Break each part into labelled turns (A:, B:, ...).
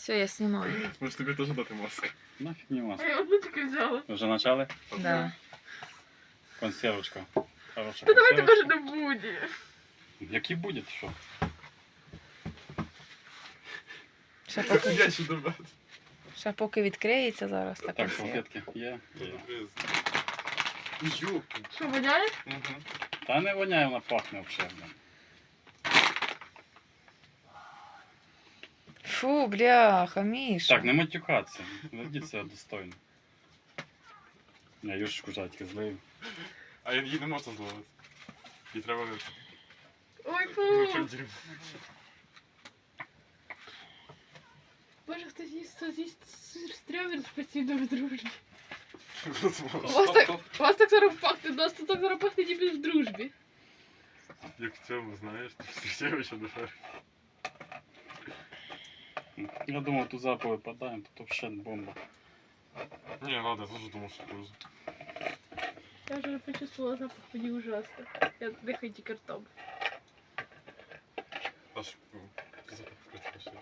A: Все, я снимаю.
B: Може тобі теж дати маску?
C: Нафиг не маска.
D: Я одну тільки взяла.
C: Вже почали?
A: Да.
C: Консервочка. Хороша
D: Та давайте
C: консервочка.
D: каже не буде.
C: Який буде, що?
B: Я ще добавити.
A: Ще поки відкриється зараз така
C: Так,
A: все.
C: салфетки є? Є.
B: Юки.
D: Що, воняє?
C: Та не воняє, вона пахне взагалі.
A: Фу, бляха, Міша.
C: Так, не матюкатися. Ведіть себе достойно. Я юшечку жадьки злив.
B: А її не можна зловити. Їй треба
D: Ой,
B: ну,
D: фу.
B: чим дерьмо.
D: Боже, хто з'їсть стрьомін постійно в дружбі.
B: Розмова.
D: У вас так зараз пахне, у нас тут так зараз пахне ніби в дружбі.
B: Як в цьому, знаєш, ти зустрічаєш ще душа.
C: Я думав, тут запах випадаємо, тут взагалі бомба.
B: Ні, ладно, я теж думав, що пользу.
D: Я вже почувствовала запах, мені ужасно. Я дихаю тільки ртом.
B: Аж запах вкрити щось.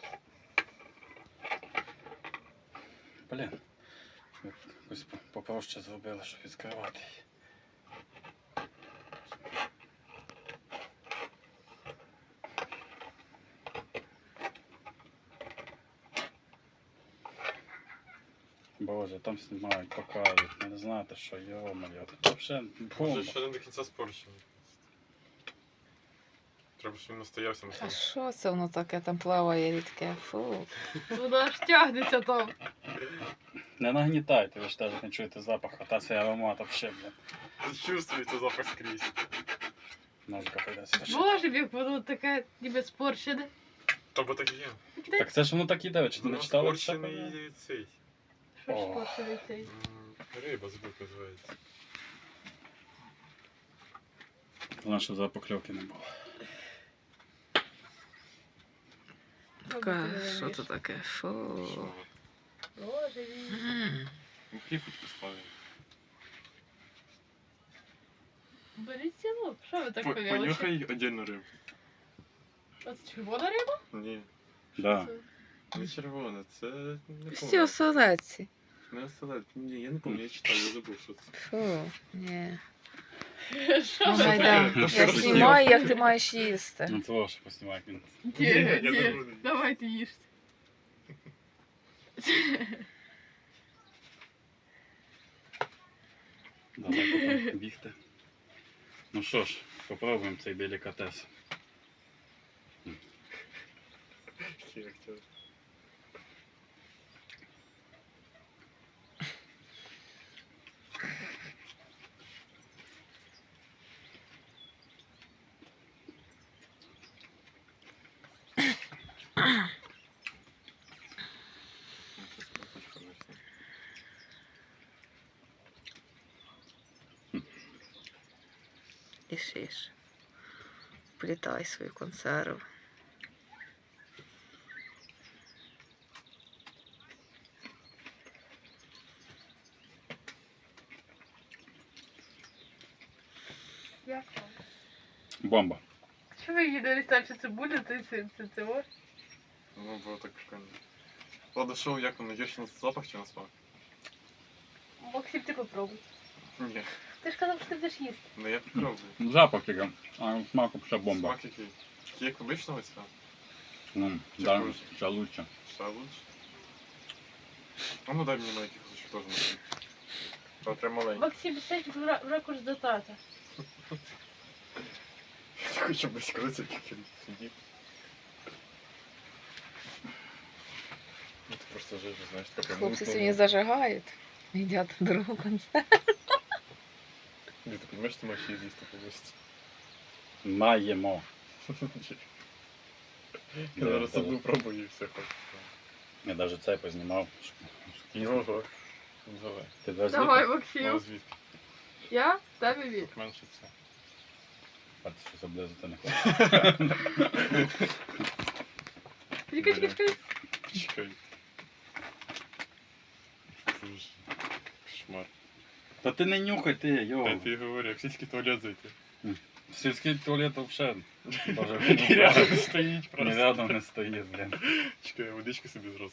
C: Блін. Якось попроще зробили, щоб відкривати її. Боже, там знімають, показують, ви не знаєте, що йо-моє, це взагалі бомба.
B: Може, ще не до кінця спорщений. Треба, щоб він настоявся на
A: А
B: цьому.
A: що це воно таке там плаває рідке? Фу.
D: Воно аж тягнеться там.
C: Не нагнітайте, ви ж теж не чуєте запах, а та цей аромат взагалі, блін.
B: Чувствується запах скрізь.
C: Ножика прийдеться.
D: Боже, як воно таке ніби спорщене.
B: Тобто так і є.
C: Так це ж воно так іде, ви чи ти не
B: Воно
C: читали?
B: спорщений цей.
D: Що ж
C: О.
D: спорщений цей?
B: Риба забув, як називається.
C: Головне, щоб запакльовки не було.
A: Така, що це таке? Фу.
D: Боже мій.
A: М.
B: Ну, хлібуть поставили.
D: Беріть село. Що ви так повели?
B: Понюхай отдельно рибу.
D: А це червона риба?
B: Ні,
C: Да.
B: не червона, це не
A: Всі
B: помню.
A: оселедці.
B: Не оселед. Ні, я не пам'ятаю, я читав, я забув, що це.
A: Фу, ні.
D: Що
A: Ну,
D: ви?
A: гайда,
B: Та
A: я
B: що
A: знімаю, як ти маєш їсти.
C: Ну це ваше поснімай, як він.
D: Ні,
B: Я
D: ні.
B: не буду.
D: Давайте їжте.
C: Давай потім бігти. Ну що ж, попробуємо цей делікатес.
B: Який актер.
A: Ішиш. Плітай свою консерву.
D: Як вам?
C: Бомба.
D: Що ви її не листаєте цибулю, це ось?
B: Ну, було так прикольно. Ладно, шоу, як воно, є ще на запах чи на смак?
D: Максим, ти попробуй.
B: Ні,
D: Ти ж казав, що ти будеш їсти.
B: ну я попробую.
C: Запах тільки, а смаку ще бомба.
B: Смак який? Як обичного цього?
C: Ну,
B: Чи
C: да,
B: хуже?
C: ще лучше.
B: Ще лучше. А ну дай мені маленький кусочок теж на. А прям маленький.
D: Максим, сядь в ракурс до тата.
B: Я хочу близько як він сидів. Ну ти просто жив, знаєш, таке
A: Хлопці сьогодні зажигають. Їдять другу консерву.
B: Ні, ти розумієш, ти маєш її з'їсти повністю.
C: Маємо.
B: Я зараз одну пробую і все хочу.
C: Я навіть цей познімав.
B: Ого. Давай.
C: Ти без
D: Давай,
B: Ну,
D: Максим.
B: звідки?
D: Я? Тебе від.
B: Тут менше це.
C: А ти щось облизати не хочеш.
D: Чекай.
B: Чекай. Слушай. Кошмар.
C: Та ти не нюхай ти,
B: Я
C: йо.
B: тобі говорю, як сільський туалет зайти.
C: Сільський туалет взагалі. Боже,
B: Рядом стоїть
C: ні
B: просто.
C: рядом не стоїть, блін.
B: Чекай, я водички собі зразу